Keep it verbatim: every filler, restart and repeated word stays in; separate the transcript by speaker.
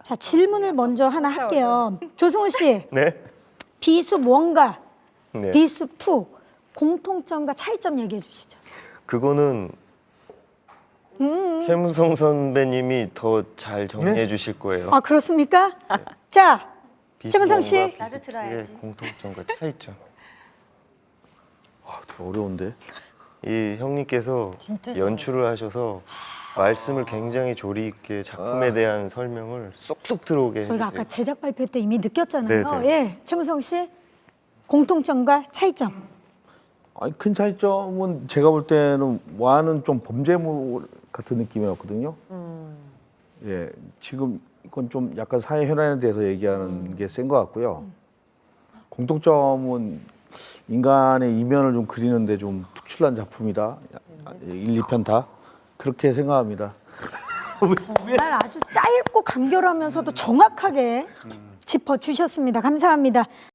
Speaker 1: 자, 질문을 먼저 하나 할게요. 조승우 씨,
Speaker 2: 네.
Speaker 1: 비숲 원과
Speaker 2: 네.
Speaker 1: 비숲 투 공통점과 차이점 얘기해 주시죠.
Speaker 2: 그거는
Speaker 1: 음.
Speaker 2: 최무성 선배님이 더 잘 정리해
Speaker 3: 네?
Speaker 2: 주실 거예요.
Speaker 1: 아, 그렇습니까? 자, 최무성 씨.
Speaker 2: 비스무원과
Speaker 4: 나도 들어야지.
Speaker 2: 비스트의 공통점과 차이점.
Speaker 3: 아, 더 어려운데.
Speaker 2: 이 형님께서
Speaker 4: 진짜
Speaker 2: 연출을 하셔서 말씀을 굉장히 조리 있게 작품에 대한 설명을 쏙쏙 들어오게 해주세요.
Speaker 1: 저희가 아까 제작 발표 때 이미 느꼈잖아요.
Speaker 2: 네네.
Speaker 1: 예, 최무성 씨 공통점과 차이점.
Speaker 3: 아니, 큰 차이점은 제가 볼 때는 와는 좀 범죄물 같은 느낌이었거든요.
Speaker 4: 음.
Speaker 3: 예, 지금 이건 좀 약간 사회 현안에 대해서 얘기하는 게 센 것 같고요. 공통점은 인간의 이면을 좀 그리는데 좀 특출난 작품이다. 일, 이 편 다 그렇게 생각합니다.
Speaker 1: 정말 아주 짧고 간결하면서도 정확하게 짚어 주셨습니다. 감사합니다.